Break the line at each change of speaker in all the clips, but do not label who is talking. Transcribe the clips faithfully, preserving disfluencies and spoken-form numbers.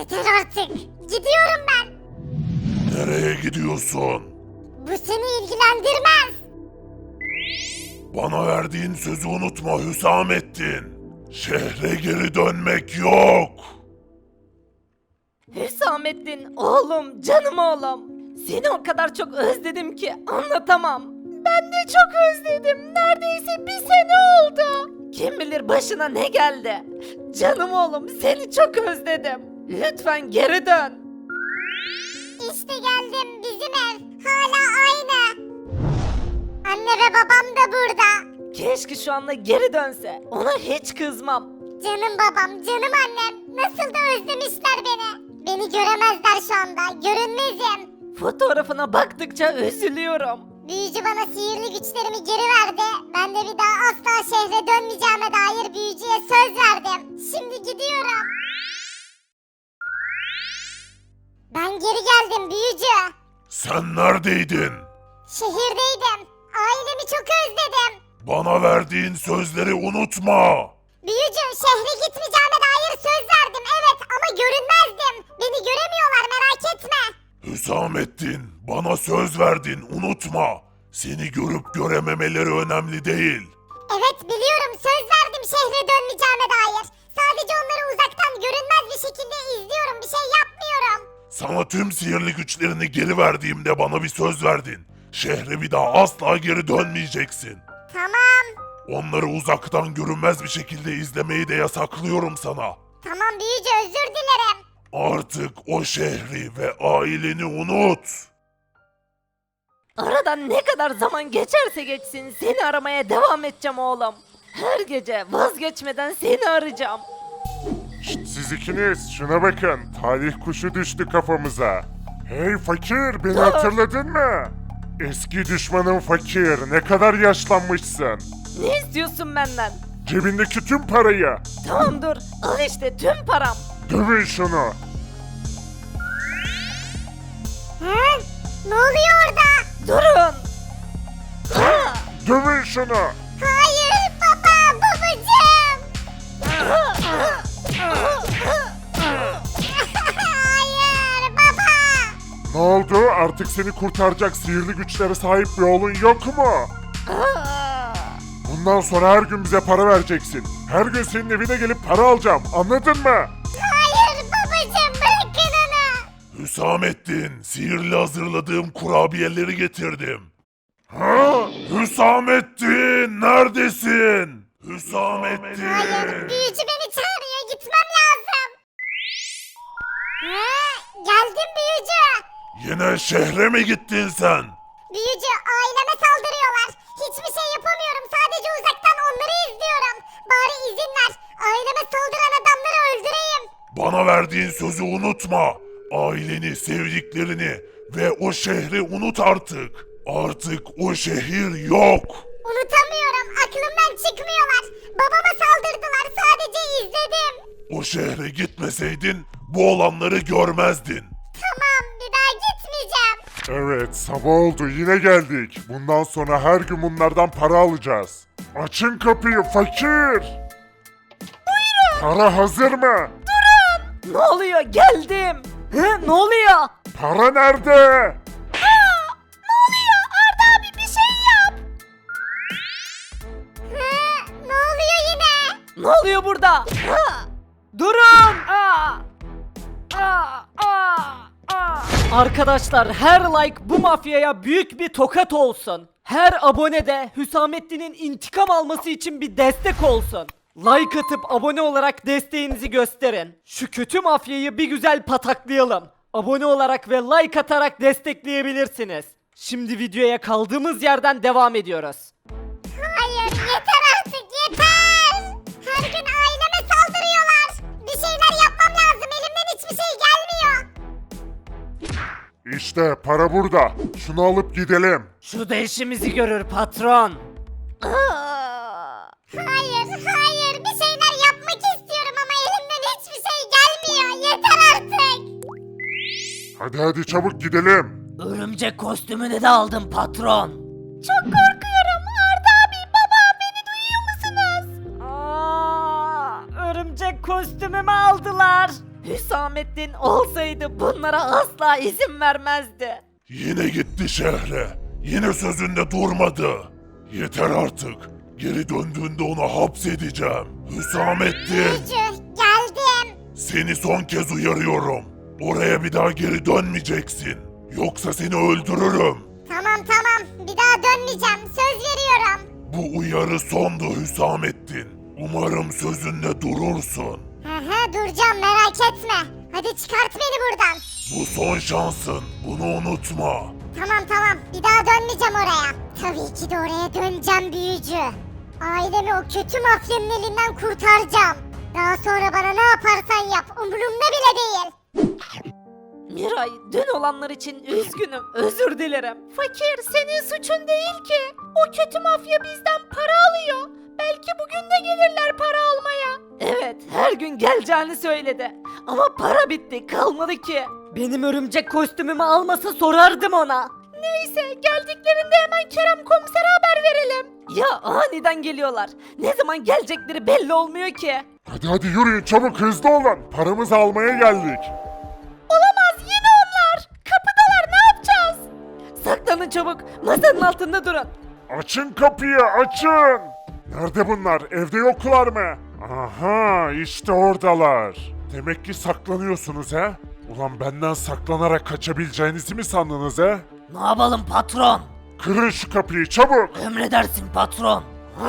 Yeter artık. Gidiyorum ben.
Nereye gidiyorsun?
Bu seni ilgilendirmez.
Bana verdiğin sözü unutma Hüsamettin. Şehre geri dönmek yok.
Hüsamettin oğlum, canım oğlum. Seni o kadar çok özledim ki anlatamam. Ben de çok özledim. Neredeyse bir sene oldu. Kim bilir başına ne geldi. Canım oğlum, seni çok özledim. Lütfen geri dön.
İşte geldim, bizim ev. Hala aynı. Anne ve babam da burada.
Keşke şu anda geri dönse. Ona hiç kızmam.
Canım babam, canım annem. Nasıl da özlemişler beni. Beni göremezler şu anda. Görünmezim.
Fotoğrafına baktıkça üzülüyorum.
Büyücü bana sihirli güçlerimi geri verdi. Ben de bir daha asla şehre dönmeyeceğime dair büyücüye söz verdim. Şimdi gidiyorum. Ben geri geldim büyücü.
Sen neredeydin?
Şehirdeydim. Ailemi çok özledim.
Bana verdiğin sözleri unutma.
Büyücü, şehre gitmeyeceğime dair söz verdim evet ama görünmezdim. Beni göremiyorlar, merak etme.
Hüsamettin, bana söz verdin, unutma. Seni görüp görememeleri önemli değil.
Evet biliyorum, söz verdim şehre dönmeyeceğime dair. Sadece onları uzaktan görünmez bir şekilde izliyorum, bir şey yapmıyorum.
Sana tüm sihirli güçlerini geri verdiğimde bana bir söz verdin. Şehre bir daha asla geri dönmeyeceksin.
Tamam.
Onları uzaktan görünmez bir şekilde izlemeyi de yasaklıyorum sana.
Tamam büyücü, özür dilerim.
Artık o şehri ve aileni unut.
Aradan ne kadar zaman geçerse geçsin seni aramaya devam edeceğim oğlum. Her gece vazgeçmeden seni arayacağım.
Şşt, siz ikiniz şuna bakın. Talih kuşu düştü kafamıza. Hey fakir, beni hatırladın mı? Eski düşmanın fakir, ne kadar yaşlanmışsın.
Ne istiyorsun benden?
Cebindeki tüm parayı.
Tamam dur, al işte tüm param.
Dövün şunu.
Hı? Ne oluyor orada?
Durun. Ha!
Dövün şunu.
Hayır baba, babacığım. Hayır baba.
Ne oldu? Artık seni kurtaracak sihirli güçlere sahip bir oğlun yok mu?
Aa!
Bundan sonra her gün bize para vereceksin. Her gün senin evine gelip para alacağım. Anladın mı?
Hayır babacığım, bırakın onu.
Hüsamettin, sihirli hazırladığım kurabiyeleri getirdim. Ha? Hüsamettin, neredesin? Hüsamettin.
Hayır, büyücü beni çağırıyor, gitmem lazım. Ha? Geldim büyücü.
Yine şehre mi gittin sen?
Büyücü, aileme saldırıyorlar. Hiçbir şey yapamıyorum, sadece uzaktan onları izliyorum. Bari izin ver, aileme saldıran adamları öldüreyim.
Bana verdiğin sözü unutma. Aileni, sevdiklerini ve o şehri unut artık. Artık o şehir yok.
Unutamıyorum, aklımdan çıkmıyorlar. Babama saldırdılar, sadece izledim.
O şehre gitmeseydin bu olanları görmezdin.
Tamam, bir daha gitmeyeceğim.
Evet, sabah oldu, yine geldik. Bundan sonra her gün bunlardan para alacağız. Açın kapıyı fakir. Buyurun. Para hazır mı?
Ne oluyor? Geldim. Hı, ne oluyor?
Para nerede?
Ne oluyor? Arda abi bir şey yap.
Hı, ne oluyor yine?
Ne oluyor burada? Ha! Durun! Aa! Aa! Aa! Aa! Arkadaşlar her like bu mafyaya büyük bir tokat olsun. Her abone de Hüsamettin'in intikam alması için bir destek olsun. Like atıp abone olarak desteğinizi gösterin. Şu kötü mafyayı bir güzel pataklayalım. Abone olarak ve like atarak destekleyebilirsiniz. Şimdi videoya kaldığımız yerden devam ediyoruz.
Hayır, yeter artık, yeter. Her gün aileme saldırıyorlar. Bir şeyler yapmam lazım, elimden hiçbir şey gelmiyor.
İşte para burada. Şunu alıp gidelim.
Şurada işimizi görür patron.
Hayır, hayır, bir şeyler yapmak istiyorum ama elimden hiçbir şey gelmiyor. Yeter artık.
Hadi hadi çabuk gidelim.
Örümcek kostümünü de aldım patron.
Çok korkuyorum. Arda abi, baba, beni duyuyor musunuz?
Aa, örümcek kostümümü aldılar. Hüsamettin olsaydı bunlara asla izin vermezdi.
Yine gitti şehre. Yine sözünde durmadı. Yeter artık. Geri döndüğünde onu hapsedeceğim. Hüsamettin,
Büyücü geldim.
seni son kez uyarıyorum. Oraya bir daha geri dönmeyeceksin. Yoksa seni öldürürüm.
Tamam tamam bir daha dönmeyeceğim söz veriyorum.
Bu uyarı sondu Hüsamettin. Umarım sözünde durursun.
Hı hı duracağım merak etme. Hadi çıkart beni buradan.
Bu son şansın. Bunu unutma.
Tamam tamam bir daha dönmeyeceğim oraya. Tabii ki de oraya döneceğim büyücü. Ailemi o kötü mafyanın elinden kurtaracağım. Daha sonra bana ne yaparsan yap umurumda bile değil.
Miray, dün olanlar için üzgünüm, özür dilerim. Fakir, senin suçun değil ki. O kötü mafya bizden para alıyor. Belki bugün de gelirler para almaya. Evet, her gün geleceğini söyledi. Ama para bitti, kalmadı ki. Benim örümcek kostümümü almasa sorardım ona. Neyse, geldiklerinde hemen Kerem komisere haber verelim. Ya aniden geliyorlar. Ne zaman gelecekleri belli olmuyor ki.
Hadi hadi yürüyün çabuk hızlı olun. Paramızı almaya geldik.
Olamaz, yine onlar. Kapıdalar, ne yapacağız? Saklanın çabuk, masanın altında durun.
Açın kapıyı açın. Nerede bunlar? Evde yoklar mı? Aha işte oradalar. Demek ki saklanıyorsunuz he? Ulan benden saklanarak kaçabileceğinizi mi sandınız he?
Ne yapalım patron?
Kırın şu kapıyı çabuk.
Emredersin patron.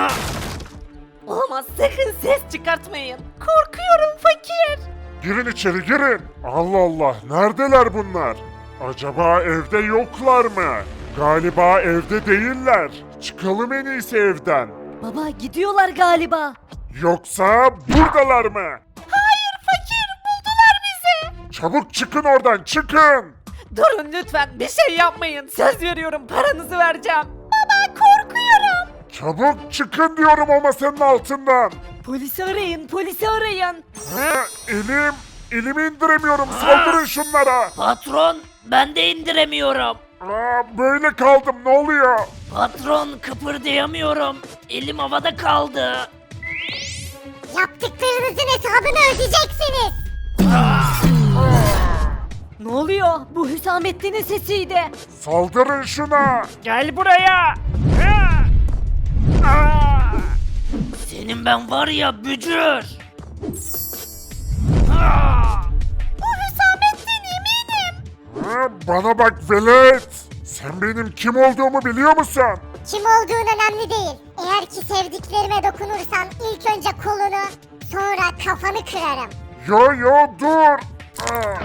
Olamaz, sakın ses çıkartmayın. Korkuyorum fakir.
Girin içeri girin. Allah Allah neredeler bunlar? Acaba evde yoklar mı? Galiba evde değiller. Çıkalım en iyisi evden.
Baba, gidiyorlar galiba.
Yoksa buradalar mı?
Hayır fakir, buldular bizi.
Çabuk çıkın oradan çıkın.
Durun lütfen, bir şey yapmayın. Söz veriyorum, paranızı vereceğim. Baba, korkuyorum.
Çabuk çıkın diyorum o masanın altından.
Polisi arayın, polisi arayın.
Ha, elim, elimi indiremiyorum saldırın şunlara.
Patron, ben de indiremiyorum.
Aa, böyle kaldım ne oluyor?
Patron, kıpırdayamıyorum. Elim havada kaldı.
Yaptıklarınızın hesabını ödeyeceksiniz.
Ne oluyor? Bu Hüsamettin'in sesiydi.
Saldırın şuna.
Gel buraya. Senin ben var ya bücür.
Bu Hüsamettin eminim.
Ha, bana bak velet. Sen benim kim olduğumu biliyor musun?
Kim olduğun önemli değil. Eğer ki sevdiklerime dokunursan ilk önce kolunu sonra kafanı kırarım.
Yo yo dur. Aa,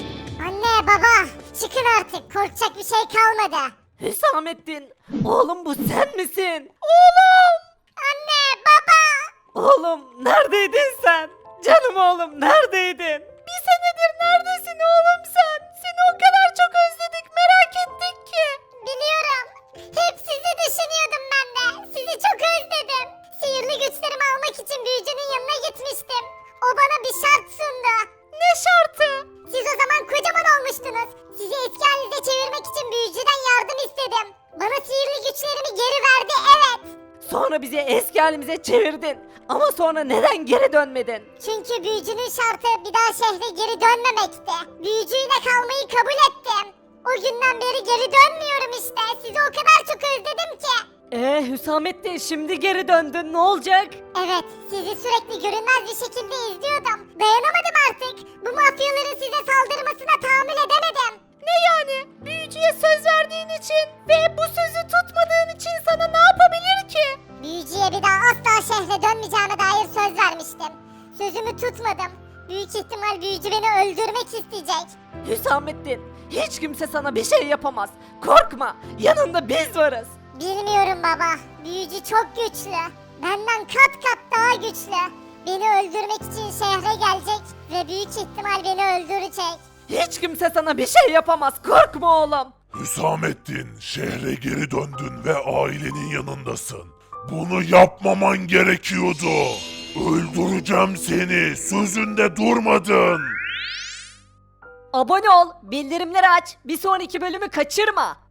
Anne baba çıkın artık korkacak bir şey kalmadı.
Hüsamettin, oğlum bu sen misin? Oğlum!
Anne baba.
Oğlum neredeydin sen? Canım oğlum neredeydin? Bir senedir neredesin oğlum sen? Seni o kadar çok özledik, merak ettik ki.
Biliyorum. Hep sizi düşünüyordum ben de. Sizi çok özledim. Sihirli güçlerimi almak için büyücünün yanına gitmiştim. O bana bir şart sundu.
Ne şartı?
Siz o zaman kocaman olmuştunuz. Sizi eski halinize çevirmek için büyücüden yardım istedim. Bana sihirli güçlerimi geri verdi evet.
Sonra bizi eski halimize çevirdin. Ama sonra neden geri dönmedin?
Çünkü büyücünün şartı bir daha şehre geri dönmemekti. Büyücüyle kalmayı kabul ettim. O günden beri geri dönmüyorum işte. Sizi o kadar çok özledim ki.
Ee Hüsamettin, şimdi geri döndün, ne olacak?
Evet, sizi sürekli görünmez bir şekilde izliyordum. Dayanamadım artık. Bu mafyaların size saldırmasına tahammül edemedim.
Ne yani? Büyücüye söz verdiğin için ve bu sözü tutmadığın için sana ne yapabilir ki?
Büyücüye bir daha asla şehre dönmeyeceğime dair söz vermiştim. Sözümü tutmadım. Büyük ihtimal büyücü beni öldürmek isteyecek.
Hüsamettin, hiç kimse sana bir şey yapamaz. Korkma, yanında biz varız.
Bilmiyorum baba. Büyücü çok güçlü. Benden kat kat daha güçlü. Beni öldürmek için şehre gelecek ve büyük ihtimal beni öldürecek.
Hiç kimse sana bir şey yapamaz, korkma oğlum.
Hüsamettin, şehre geri döndün ve ailenin yanındasın. Bunu yapmaman gerekiyordu. Öldüreceğim seni. Sözünde durmadın.
Abone ol, bildirimleri aç, bir sonraki bölümü kaçırma.